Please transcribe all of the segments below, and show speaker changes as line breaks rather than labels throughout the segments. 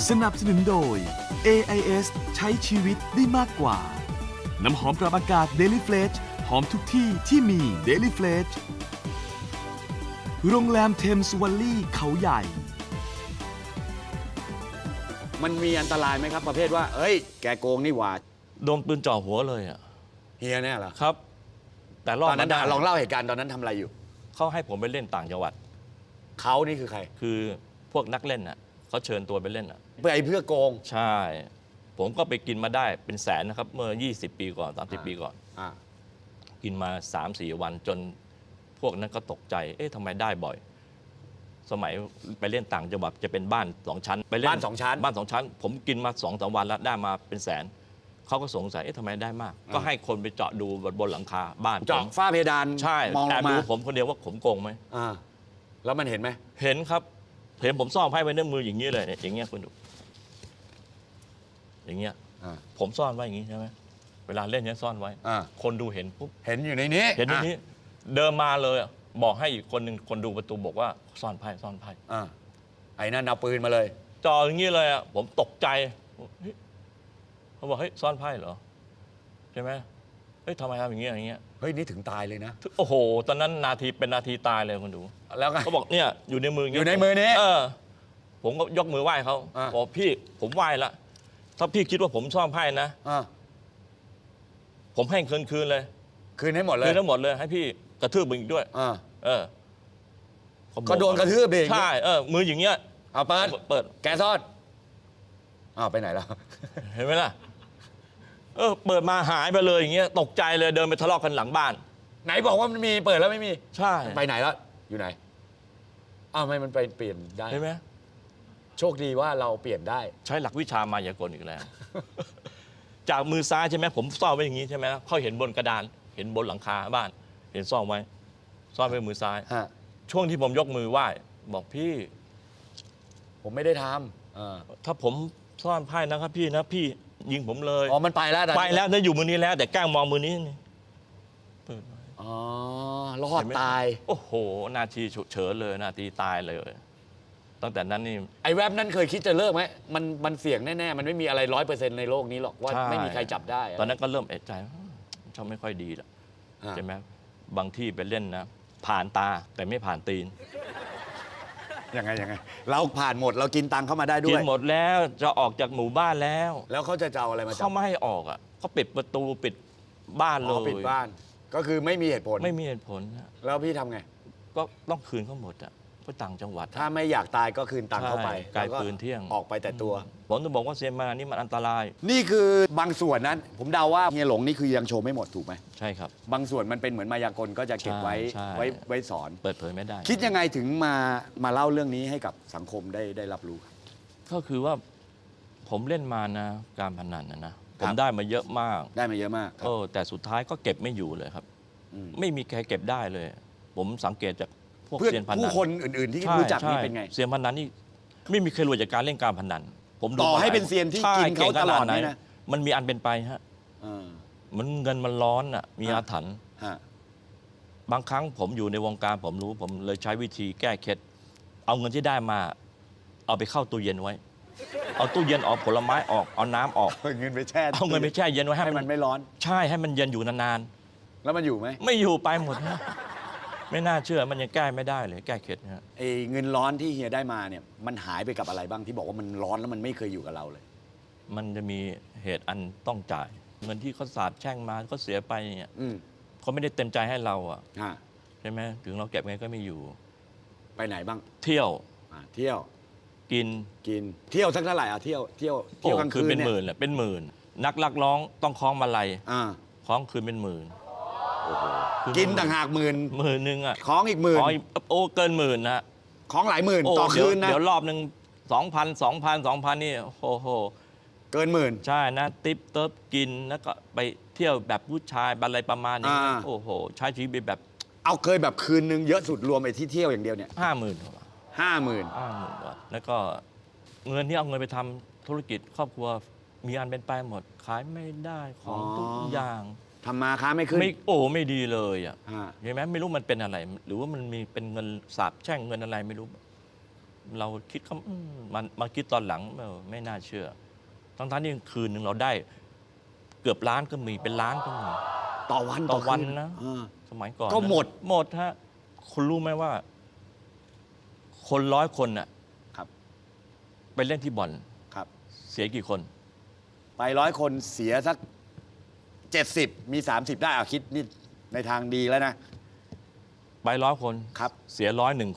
สนับสนุนโดย AIS ใช้ชีวิตได้มากกว่าน้ำหอมปรับอากาศ Daily Fresh หอมทุกที่ที่มี Daily Fresh โรงแรมเทมส์วัลลี่เขาใหญ่
มันมีอันตรายไหมครับประเภทว่าเอ้ยแกโกงนี่หว่า
โดนปืนจ่อหัวเลยอ่ะ
เฮียเนี่ยเหรอ
ครับ แต่รอ
ต
ด
อนนั้น
มาได้
ลองเล่าเหตุการณ์ตอนนั้นทำอะไรอยู่
เขาให้ผมไปเล่นต่างจังหวัด
เขานี่คือใคร
คือพวกนักเล่นอ่ะเขาเชิญตัวไปเล่นอ่ะ
เพื่อโกง
ใช่ ผมก็ไปกินมาได้เป็นแสนนะครับ เมื่อ 20 ปีก่อน 30 ปีก่อน
อ่า
กินมา 3-4 วันจนพวกนั้นก็ตกใจ เอ๊ะทำไมได้บ่อย สมัยไปเล่นต่างจังหวัดจะเป็นบ้าน 2 ชั้นไปเล่น
บ้าน 2 ชั้น
บ้าน 2 ชั้น ผมกินมา 2-3 วันแล้วได้มาเป็นแสนเขาก็สงสัยเอ๊ะทำไมได้มาก ก็ให้คนไปเจาะดูบนหลังคาบ้าน
เจาะ
ผม
ฝ้าเพดาน
ใช่
มองล
แอบ
งมา
ดูผมคนเดียวว่าผมโกงไหม
อ่าแล้วมันเห็นไหม
เห็นครับ เห็นผมซ่อนไพ่ไว้ในมืออย่างนี้เลยเนี่ยอย่างเงี้ยคุณดู อย่างเงี้ย
อ่า
ผมซ่อนไว้อย่างนี้ใช่ไหมเวลาเล่นเนี้ยซ่อนไว้
อ่า
คนดูเห็นปุ๊บ
เห็นอยู่ในนี้
เห็นอย่างนี้เดินมาเลยอะบอกให้อีกคนหนึ่งคนดูประตูบอกว่าซ่อนไพ่ซ่อนไพ่
อ่าไอ้นั่นเอาปืนมาเลย
จ่ออย่างนี้เลยอะผมตกใจเฮ้ยเขาบอกเฮ้ยซ่อนไพ่เหรอใช่ไหมเฮ้ยทำไมทำอย่างเงี้ยอย่างเงี้ย
เฮ้ยนี่ถึงตายเลยนะ
โอ้โหตอนนั้นนาทีเป็นนาทีตายเลยคุณดู
แล้วก็
เขาบอกเนี่ยอยู่ในมือาง
อ
งี้
ยู่ในมือนี้
ผมก็ยกมือไหว้เขา
อ่า
บอกพี่ผมไหว้ละถ้าพี่คิดว่าผมซ่อนไพ่นะ
อ่า
ผมให้คืนเลย
คืนให้หมดเลย
คืนทั้งหมดเลยให้พี่กระทืบมึงอีกด้วย
อ่า
เขาบอก
ก็โดนกระทืบเอง
ใช่มืออย่างเงี้ย
เอาเปิด
เปิด
แกซ่อนอ้าวไปไหนแล้ว
เห็นไหมล่ะเปิดมาหายไปเลยอย่างเงี้ยตกใจเลยเดินไปทะเลาะกันหลังบ้าน
ไหนบอกว่ามันมีเปิดแล้วไม่มี
ใช่
ไปไหนแล้วอยู่ไหนอ้าวทำไมมันไปเปลี่ยนได้
เห็นไหม
โชคดีว่าเราเปลี่ยนได้
ใช้หลักวิชามายากลอีกแล้ว จากมือซ้ายใช่ไหมผมซ่อนไว้อย่างงี้ใช่ไหมเขาเห็นบนกระดานเห็นบนหลังคาบ้าน เห็นซ่อนไว้ซ่อนไว้มือซ้าย
ฮะ
ช่วงที่ผมยกมือไหว้บอกพี่
ผมไม่ได้ทำ
ถ้าผมซ่อนไพ่นะครับพี่นะพี่ยิงผมเลย
อ๋อมันไปแล้วตอนนี้
ไปแล้วนะอยู่มือนี้แล้ว แต่แกล้งมองมือนี้นี่เปิดไว้
อ๋อรอด
เห็นไหม
ตาย
โอ้โหนาทีฉุกเฉินเลยนาทีตายเลยตั้งแต่นั้นนี่
ไอ้แว็บนั้นเคยคิดจะเลิกไหมมันเสี่ยงแน่ๆ มันไม่มีอะไร100%ในโลกนี้หรอกว่า
ใช่
ไม่มีใครจับได้ะ
ตอนนั้นก็เริ่มเอะใจชอบไม่ค่อยดีละ
อ่า
ใช่ไหมบางที่ไปเล่นนะ ผ่านตาแต่ไม่ผ่านตีน
ยังไงเราผ่านหมดเรากินตังค์เข้ามาได้ด้
กิ
วน ย
หมดแล้วจะออกจากหมู่บ้านแล้ว
แล้วเขาจะเอาอะไรมาจั
เขาไม่ให้ออกอ่ะเขาปิดประตูปิดบ้านเล
อ๋อย ปิดบ้าน ก็คือไม่มีเหตุผล
ไม่มีเหตุผลนะ
แล้วพี่ทำไง
ก็ต้องคืนเขาหมดอ่ะเพราะต่างจังหวัด
ถ้าไม่อยากตายก็คืนตังค์เข้าไป
ใช่ไกล
แล้ว
ปืนเที่ยง
ออกไปแต่ตัว
ผมจะบอกว่าเซียนมานี่มันอันตราย
นี่คือบางส่วนนั้น ผมเดาว่าเฮียหลงนี่คือยังโชว์ไม่หมดถูกไหม
ใช่ครับ
บางส่วนมันเป็นเหมือนมายากลก็จะเก็บไว้
ใช่
ไว้สอน
เปิดเผยไม่ได้
คิดยังไงถึงมาเล่าเรื่องนี้ให้กับสังคมได้รับรู้ครับ
ก็คือว่าผมเล่นมานะการพนันนะ
ค
ผ
รับ
มได้มาเยอะมาก
ได้มาเยอะมากครับ
แต่สุดท้ายก็เก็บไม่อยู่เลยครับ
อืม
ไม่มีใครเก็บได้เลย ผมสังเกตจากพวก
เพื่อน
เซียนพนัน
ผู้คนอื่น ๆ ที่
ใช่
รู้จักนี่
ใช่
เป็นไง
เซียนพนันนี่ไม่มีใครรวยจากการเล่นการพนัน ผมดู
ต่อให้
มา
เป็นเซียนที่
ใช่
กินเขา
ก่งข
ตลอด
ไหน
นี่นะ
มันมีอันเป็นไปฮะ
เออ
มันเงินมันร้อนอ่ะมีอาถรรพ์
ฮะ
บางครั้งผมอยู่ในวงการผมรู้ผมเลยใช้วิธีแก้เคล็ดเอาเงินที่ได้มา เอาไปเข้าตู้เย็นไว้ เอาตู้เย็นออกผลไม้ออกเอาน้ำออก
เอาเงินไปแช่
เอาเงินไปแช่เย็นไว้ให้
ให้
มั
มัน นไม่ร้อน
ใช่ให้มันเย็นอยู่นาน
แล้วมันอยู่ไหม
ๆไม่อยู่ไปหมดฮะไม่น่าเชื่อมันยังแก้ไม่ได้เลยแก้เคล็ดฮะ
ไอ้เงินร้อนที่เฮียได้มาเนี่ยมันหายไปกับอะไรบ้างที่บอกว่ามันร้อนแล้วมันไม่เคยอยู่กับเราเลย
มันจะมีเหตุอันต้องจ่าย เงินที่เขาสาบแช่งมาเขาเสียไปเนี่ย
อืม
เขาไม่ได้เต็มใจให้เราอ่ะ
อ่า
ใช่ไหมถึงเราเก็บไงก็ไม่อยู่
ไปไหนบ้าง
เที่ยว
เที่ยว
กิน
กินเที่ยวสักเท่าไหร่เที่ยวกลางคืน
เป็น
เนี่ย
หมื่นแหละเป็นหมื่น นักลักร้องต้องคล้องมาลัย
อ่า
คล้องคืนเป็นหมื่น
กินต่างหากหมื่น
หมื่นหนึ่งอ่ะ
ของอีกหมื่น
โอ้เกินหมื่นนะ
ของหลายหมื่น
โอ้
ต่อคืนนะ
เดี๋ยวรอบหนึ่ง2,000นี่โอ้โห
เกินหมื่น
ใช่นะติ๊บเติบกินแล้วก็ไปเที่ยวแบบผู้ชายอะไรประมาณนี้
อ่า
โอ้โหใช้ชีวิตแบบ
เอาเคยแบบคืนนึงเยอะสุดรวมไอ้ที่เที่ยวอย่างเดียวเนี่ย
50,000
50,000
บาทแล้วก็เงินที่เอาเงินไปทำธุรกิจครอบครัวมีอันเป็นไปหมด ขายไม่ได้ของทุกอย่าง
ทำมาค้าไม่ขึ้น
ไม่ดีเลยอ่ะ
อ่า
เห็นไหมไม่รู้มันเป็นอะไร หรือว่ามันมีเป็นเงินสาบแช่งเงินอะไรไม่รู้เราคิดเขามาคิดตอนหลังไม่น่าเชื่อ ทั้งที่คืนหนึ่งเราได้เกือบล้านก็มีเป็นล้านก็มี
ต่อวัน
ต่อวัน
คื
นะ
อ่า
สมัยก่อน
ก็หมด
หมดฮะคุณรู้ไหมว่า คน100 คนน่ะ
ครับ
ไปเล่นที่บ่อน
ครับ
เสียกี่คน
ไป100 คนเสียสัก 70 มี 30 ได้คิดนี่ในทางดีแล้วนะ
ไป100 คน
ครับ
เสีย101 คน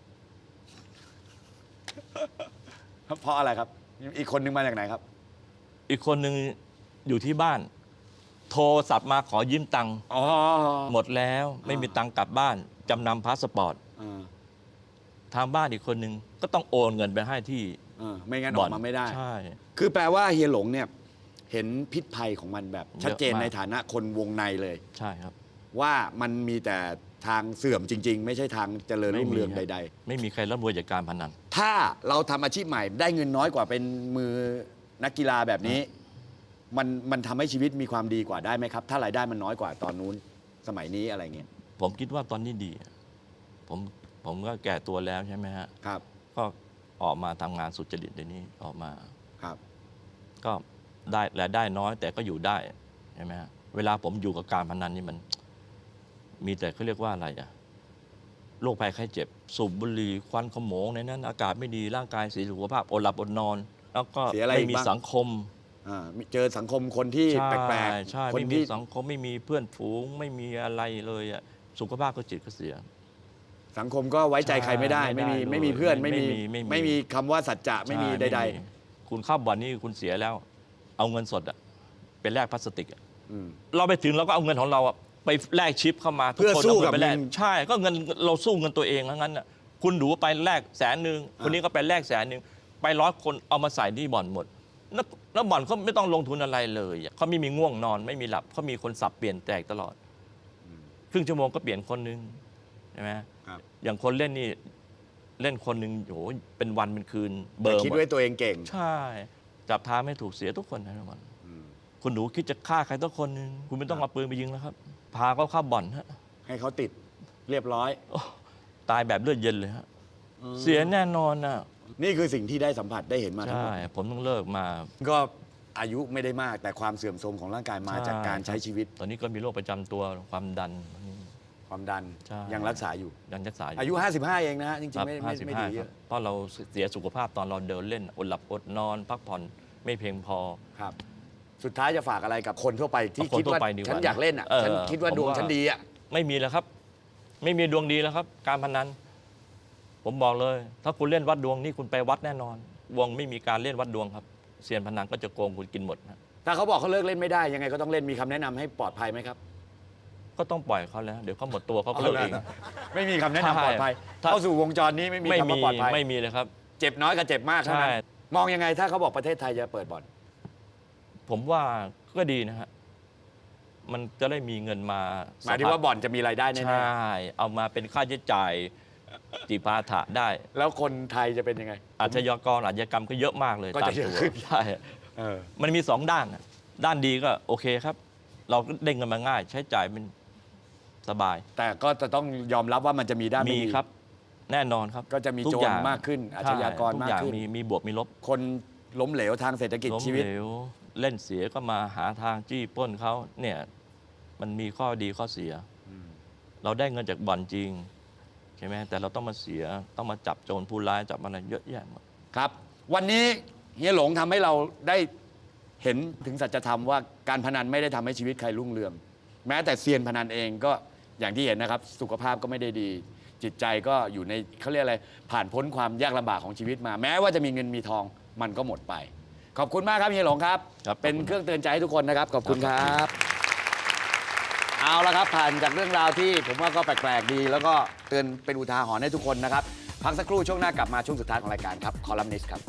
เพราะอะไรครับ อีกคนนึงมาจากไหนครับ
อีกคนหนึ่งอยู่ที่บ้าน โทรศัพท์มาขอยืมตังค์
อ๋อ
หมดแล้วไม่มีตังค์กลับบ้านจำนำพาสปอร์ต
เออ
ทางบ้านอีกคนหนึ่งก็ต้องโอนเงินไปให้ที่
ไม่งั้นอ
บ่
อ
อน
กมาไม่ได้
ใช่
คือแปลว่าเฮียหลงเนี่ยเห็นพิษภัยของมันแบบชัดเจน
เยอะมาก
ในฐานะคนวงในเลย
ใช่ครับ
ว่ามันมีแต่ทางเสื่อมจริง ๆ ไม่ใช่ทางเจริญรุ่งเรืองใด
ไม่มีใครร่ำรวยจากการพนัน
ๆ ถ้าเราทำอาชีพใหม่ได้เงินน้อยกว่าเป็นมือนักกีฬาแบบนี้ มันทำให้ชีวิตมีความดีกว่าได้ไหมครับ ถ้ารายได้มันน้อยกว่าตอนนู้นสมัยนี้อะไรเงี้ย
ผมคิดว่าตอนนี้ดี ผมก็แก่ตัวแล้วใช่ไหมฮะ
ครับ
ก็ออกมาทำงานสุจริตเดี๋ยวนี้ออกมา
ครับ
ก็ได้รายได้น้อยแต่ก็อยู่ได้ใช่ไหมฮะเวลาผมอยู่กับการพนันนี่มัน มีแต่เขาเรียกว่าอะไรอะโรคภัยไข้เจ็บ สูบบุหรี่ควันขโมงในนั้น อากาศไม่ดีร่างกายเสียสุขภาพอดหลับอดนอน แล้วก็
เสียอะไร
ไม่
อีก
มี
บ้าง
สังคม
เจอสังคมคนที่
ใช่
แปลก
ใช่
ๆคน
ไม่มี
ที่
สังคมไม่มีเพื่อนฝูงไม่มีอะไรเลยอะสุขภาพก็จิตก็เสีย
สังคมก็ไว้ใจใครไม่ได้
ใช่
ไม่มี
ไม่ได้
ไม่มีเพื่อน
ไม่
ไม่
มี
มี
ไม่มี
ไม่มีคำว่าสัจจะไม่มี
ใช่
ใด
คุณเข้าบ่อนนี่คุณเสียแล้ว เอาเงินสดอะเป็นแลกพลาสติกอะ
ๆอืม
เราไปถึงเราก็เอาเงินของเราอะไปแลกชิปเข้ามา
เพื่อ
ทุคน
สู้
อา
กับ
ไปแลก
เงิน
ใช่ก็เงินเราสู้เงินตัวเองทั้งนั้นอะคุณดูไปแลก100,000คนนี้ก็ไปแลก100,000ไป100 คนเอามาใส่ที่บ่อนหมดแล้วบ่อนเขาไม่ต้องลงทุนอะไรเลยอะเขาไม่มีง่วงนอนไม่มีหลับเขามีคนสับเปลี่ยนแตกตลอดครึ่งชั่วโมงก็เปลี่ยนคนนึงใช่ไหม
ครับ
อย่างคนเล่นนี่เล่นคนหนึ่งโหเป็นวันเป็นคืนเบอ
แต่
ร์
คิด
หมด
ไว้ตัวเองเก่ง
ใช่ จับทางไม่ถูกเสียทุกคนนะทุกคนคุณหนูคิดจะฆ่าใครสักคนหนึ่งคุณไม่ต้องเอาปืนไปยิงแล้วครับ พาเขาเข้าบ่อนฮะ
ให้เขาติดเรียบร้อย
โอ้ตายแบบเลือดเย็นเลยฮะเสียแน่นอนนะ
นี่คือสิ่งที่ได้สัมผัสได้เห็นมาทั้งห
ใช่
มด
ผมต้องเลิกมา
ก็อายุไม่ได้มากแต่ความเสื่อมโทรมของร่างกายมาจากการใช้ชีวิต
ตอนนี้ก็มีโรคประจำตัวความดัน
ความดัน
ใช่
ยังรักษาอยู่
ยังรักษา
อายุ 55 เองนะฮะจริง
ครับ
ๆไม่ดี
55
เย
ครับ
อะ
เพราะเราเสียสุขภาพตอนเราเดินเล่นอดหลับอดนอน พักผ่อนไม่เพียงพอ
ครับ สุดท้ายจะฝากอะไรกับคนทั่วไปที่
เอาคน
คิดว่า
ทั่วไปดีกว่า
ฉันอยากเล่นอ่ะ
เออ
ฉันคิดว่า
ผม
ดวง
ว่า
ฉันดีอ่ะ
ไม่มีแล้วครับ ไม่มีดวงดีแล้วครับ การพนัน ผมบอกเลย ถ้าคุณเล่นวัดดวงนี่คุณไปวัดแน่นอน วงไม่มีการเล่นวัดดวงครับเซียนพนันก็จะโกงคุณกินหมดนะ
ถ้าเขาบอกเขาเลิกเล่นไม่ได้ยังไงก็ต้องเล่นมีคำแนะนำให้ปลอดภัยไหมครับ
ก็ต้องปล่อยเขาแล้ว เดี๋ยวเขาหมดตัวเขาก็เลิกเอง
ไม่มีคำแนะนำปลอดภัย
ถ้า
เข้าสู่วงจรนี้ไม่มี
ไม่
คำ
มี
ว่าปลอดภัย
ไม่มีเลยครับ
เจ็บน้อยกับเจ็บมากเท่านั้น
ใช่
มองยังไงถ้าเขาบอกประเทศไทยจะเปิดบ่อน
ผมว่าก็ดีนะฮะมันจะได้มีเงินมา
หมายถึงว่าบ่อนจะมีรายได้
ใช
แน่
่ เอามาเป็นค่าใช้จ่ายจิปาถะได้
ๆแล้วคนไทยจะเป็นยังไง
อาชญากรอาชญากรรมก็เยอะมากเลย
ก็
ตา
จะ
ม
เยอะ
ตัว
ขึ้น
ใช่
เออ
มันมี2 ด้านนะด้านดีก็โอเคครับ เราก็ได้เงินมาง่าย ใช้จ่ายเป็นสบาย
แต่ก็จะต้องยอมรับว่ามันจะมีด้านไม่
มี
ดี
ครับ แน่นอนครับ
ก็จะมี
ทุ
โจ
อย่
รง มากขึ้นอาชญากร
ใช่ทุ
มาก
อย่าง
ขึ้น
มีบวกมีลบ
คนล้มเหลวทางเศรษฐกิจ
ล้ม
ชีวิต
เหลวเล่นเสียก็มาหาทางจี้ปล้นเขาเนี่ยมันมีข้อดีข้อเสีย เราได้เงินจากบ่อนจริงใช่ไหมแต่เราต้องมาเสียต้องมาจับโจรผู้ร้ายจับอะไรเยอะแยะหมด
ครับ วันนี้เฮียหลงทำให้เราได้เห็นถึงสัจธรรมว่าการพนันไม่ได้ทำให้ชีวิตใครรุ่งเรือง แม้แต่เซียนพนันเองก็อย่างที่เห็นนะครับ สุขภาพก็ไม่ได้ดี จิตใจก็อยู่ในเขาเรียกอะไรผ่านพ้นความยากลำบากของชีวิตมา แม้ว่าจะมีเงินมีทองมันก็หมดไป ขอบคุณมากครับเฮียหลงครับ
ครับ
เป็น
ขอบคุณ
เครื่องเตือนใจให้ทุกคนนะครับขอบคุณครับ เอาละครับผ่านจากเรื่องราวที่ผมว่าก็แปลกๆดี แล้วก็เตือนเป็นอุทาหรณ์ให้ทุกคนนะครับพักสักครู่ช่วงหน้ากลับมาช่วงสุดท้ายของรายการครับคอลัมนิสต์ครับ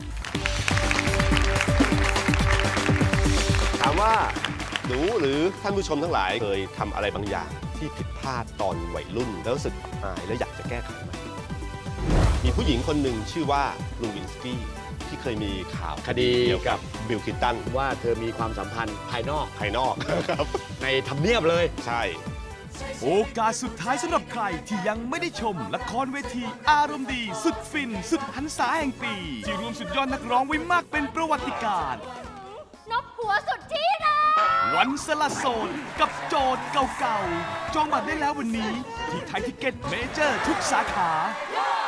ถามว่าหนูหรือท่านผู้ชมทั้งหลายเคยทำอะไรบางอย่างที่ผิดพลาดตอนวัยรุ่น แล้วรู้สึกอับอายและอยากจะแก้ไขไหมมีผู้หญิงคนหนึ่งชื่อว่าลูวินสกี้ที่เคยมีข่าว
คดี
เกี่ยวกับบิลคลินตัน
ว่าเธอมีความสัมพันธ์ภายนอก
ภายนอก ครับ
ในทำเนียบเลย
ใช่
Say
โอกาสสุดท้ายสำหรับใครที่ยังไม่ได้ชมละครเวทีอารมณ์ดี สุดฟิน สุดหันษาแห่งปี ที่รวมสุดยอดนักร้องไว้มากเป็นประวัติการณ์
นบหัวสุดที่นะ
วันสละโสดกับโจทย์เก่าๆ จองบัตรได้แล้ววันนี้ ที่ไทยทิเก็ตเมเจอร์ทุกสาขา